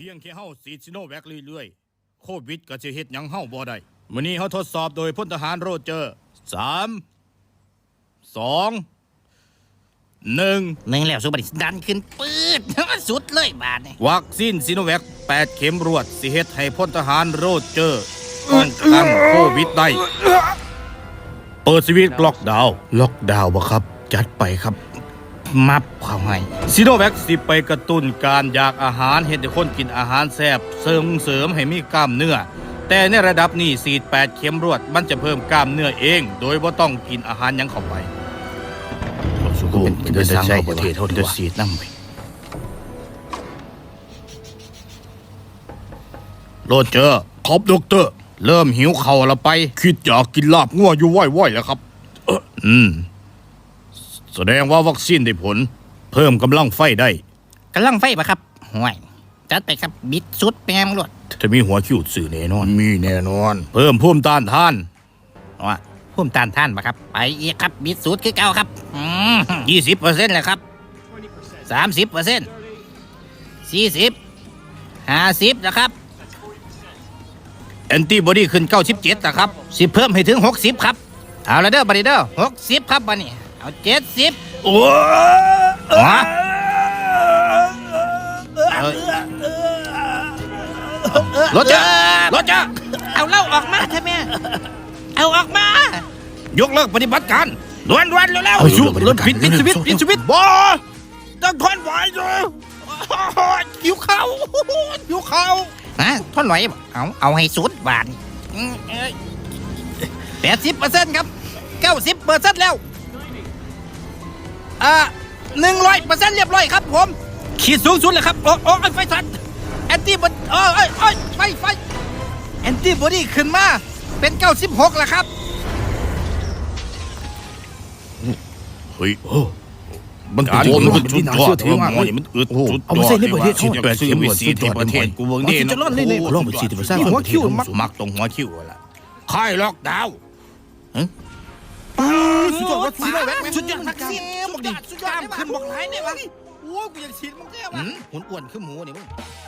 พียงแค่เฮาฉีดซิโนแวคเรื่อยๆโควิดก็จะเฮ็ดหยังเฮาบ่ได้มื้อนี้เฮาทดสอบโดยพลทหารโรเจอร์3 2 1 หนึ่งแล้วสุบัติดันขึ้นปืดสุดเลยบาดนี่วัคซีนซิโนแวค8 เข็มรวดสิเฮ็ดให้พลทหารโรเจอร์ป้องกันโควิดได้เปิดสวิตช์ล็อกดาวน์บ่ครับจัดไปครับมับเข้าให้ซิโนแวคสิไปกระตุ้นการอยากอาหารเฮ็ดให้คนกินอาหารแซ่บเสริมให้มีกล้ามเนื้อแต่ในระดับนี้ฉีด8 เข็มรวดมันจะเพิ่มกล้ามเนื้อเองโดยบ่ต้องกินอาหารหยังเข้าไปเป็นสร้างประเทศเท่าที่ฉีดน้ำไปโรเจอร์ครับด็อกเตอร์เริ่มหิวเข่าแล้วไปคิดอยากกินลาบงัวอยู่ว่อยๆแล้วครับแสดงว่าวัคซีนได้ผลเพิ่มกำลังไฟได้กำลังไฟปะครับห่วยจัดไปครับบิดสุดแปมรวดจะมีหัวคิวสื่อแน่นอนมีแน่นอนเพิ่มภูมิต้านทานว่าพุ่มตานท่านปะครับไปอีกครับบิดสุดคือเก่าครับ20%เลยครับ30% 40 50นะครับแอนติบอดีขึ้น97นะครับสิเพิ่มให้ถึง60ครับเอาละเด้อบัดนี้เด้อ60ครับบัดนี้เอา70 โอ้รถจ้ารถจ้าเอาเหล้าออกมาใช่ไหมเอาออกมายกเลิกปฏิบัติการด่วนๆเร็วๆเอาอยู่รถปิดสวิตช์บอต้องทนไหวเลยหิวข้าวหิวข้าวฮะท่อนไหวบ่เอาให้สุดบาท80%ครับ90%แล้ว100%เรียบร้อยครับผมขีดสูงสุดเลยครับโอ้ไฟสั่นแอนตี้บอดีไฟแอนตี้บอดีขึ้นมาเป็น96แล้วครับเฮ้ยมันโดนมันจุดยอดหมอนี่มันอึดจุดยอดเอามาใส่ในประเทศเขาแปดสิบวิสีที่ประเทศกูเบิ่งนี่จะรอดเลยลองไปสีที่ประเทศหัวคิวมักตรงหัวคิวล่ะค่ายล็อกดาวน์สุดยอดวัคซีนสุดยอดวัคซีนบอกดิกล้ามขึ้นบอกไหนเนี่ยวะโอ้กูอยากฉีดมึงแก้วะหุ่นอ้วนขึ้นหมูนี่มึง